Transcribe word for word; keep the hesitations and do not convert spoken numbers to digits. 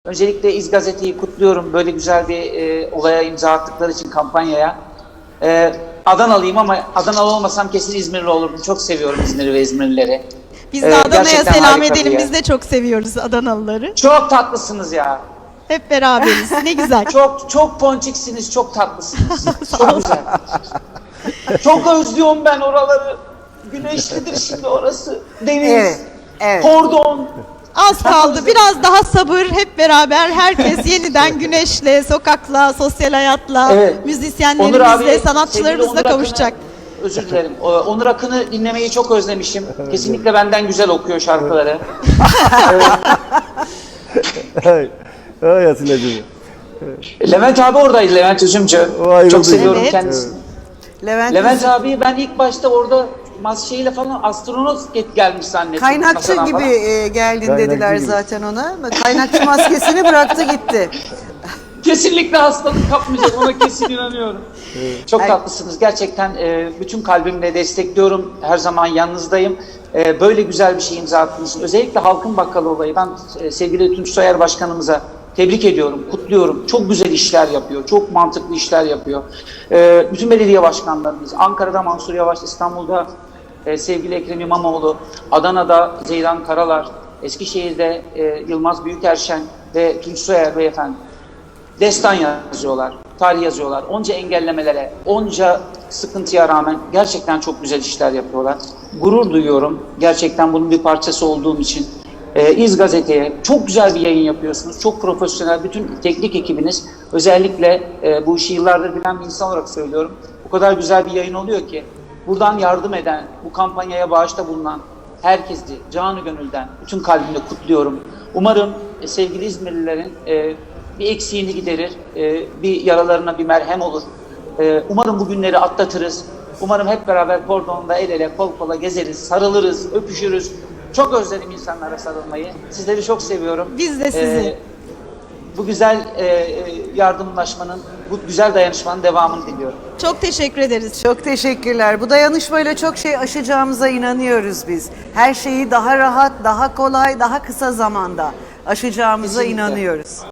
Öncelikle İz Gazete'yi kutluyorum. Böyle güzel bir e, olaya imza attıkları için, kampanyaya. E, Adanalıyım ama Adanalı olmasam kesin İzmirli olurdum. Çok seviyorum İzmir'i ve İzmirlileri. Biz de Ee, Adana'ya gerçekten selam harika bir edelim. yer. Biz de çok seviyoruz Adanalıları. Çok tatlısınız ya. Hep beraberiz. Ne güzel. Çok çok ponçiksiniz, çok tatlısınız. Çok güzel. Çok özlüyorum ben oraları. Güneşlidir şimdi orası. Deniz, Evet, evet. kordon. Az kaldı. Biraz daha sabır. Hep beraber herkes yeniden güneşle, sokakla, sosyal hayatla, Evet. Onur abi, müzisyenlerimizle, sevgili sanatçılarımızla Onur kavuşacak. Akın'ı- Özür dilerim. O- Onur Akın'ı dinlemeyi çok özlemişim. Kesinlikle benden güzel okuyor şarkıları. Ay, ay Atilla'cığım. Levent abi oradaydı, Levent Üzümcü. Vay Çok be. seviyorum Evet. kendisini. Levent, Levent abi ben ilk başta orada mas şeyle falan astronot get gelmiş zannettim. kaynakçı masadan gibi falan. e, geldin Kaynakçı dediler gibi. zaten ona. Kaynakçı maskesini bıraktı gitti. Kesinlikle hastalık kapmayacak, ona kesin inanıyorum. Çok Ay- tatlısınız. Gerçekten e, bütün kalbimle destekliyorum. Her zaman yanınızdayım. E, böyle güzel bir şey imza attınız. Özellikle Halkın Bakkalı olayı. Ben e, sevgili Tunç Soyer Başkanımıza tebrik ediyorum, kutluyorum. Çok güzel işler yapıyor, çok mantıklı işler yapıyor. E, bütün belediye başkanlarımız, Ankara'da Mansur Yavaş, İstanbul'da e, sevgili Ekrem İmamoğlu, Adana'da Zeydan Karalar, Eskişehir'de e, Yılmaz Büyükerşen ve Tunç Soyer beyefendi destan yazıyorlar, tarih yazıyorlar. Onca engellemelere, onca sıkıntıya rağmen gerçekten çok güzel işler yapıyorlar. Gurur duyuyorum. Gerçekten bunun bir parçası olduğum için. Ee, İz Gazete'ye çok güzel bir yayın yapıyorsunuz. Çok profesyonel, bütün teknik ekibiniz. Özellikle e, bu işi yıllardır bilen bir insan olarak söylüyorum. O kadar güzel bir yayın oluyor ki buradan yardım eden, bu kampanyaya bağışta bulunan herkesi canı gönülden, bütün kalbimle kutluyorum. Umarım e, sevgili İzmirlilerin e, bir eksiğini giderir, e, bir yaralarına bir merhem olur. E, umarım bu günleri atlatırız. Umarım hep beraber kordonda el ele, kol kola gezeriz, sarılırız, öpüşürüz. Çok özledim insanlara sarılmayı. Sizleri çok seviyorum. Biz de sizi. E, bu güzel e, e, yardımlaşmanın, bu güzel dayanışmanın devamını diliyorum. Çok teşekkür ederiz. Çok teşekkürler. Bu dayanışmayla çok şey aşacağımıza inanıyoruz biz. Her şeyi daha rahat, daha kolay, daha kısa zamanda aşacağımıza Kesinlikle. inanıyoruz.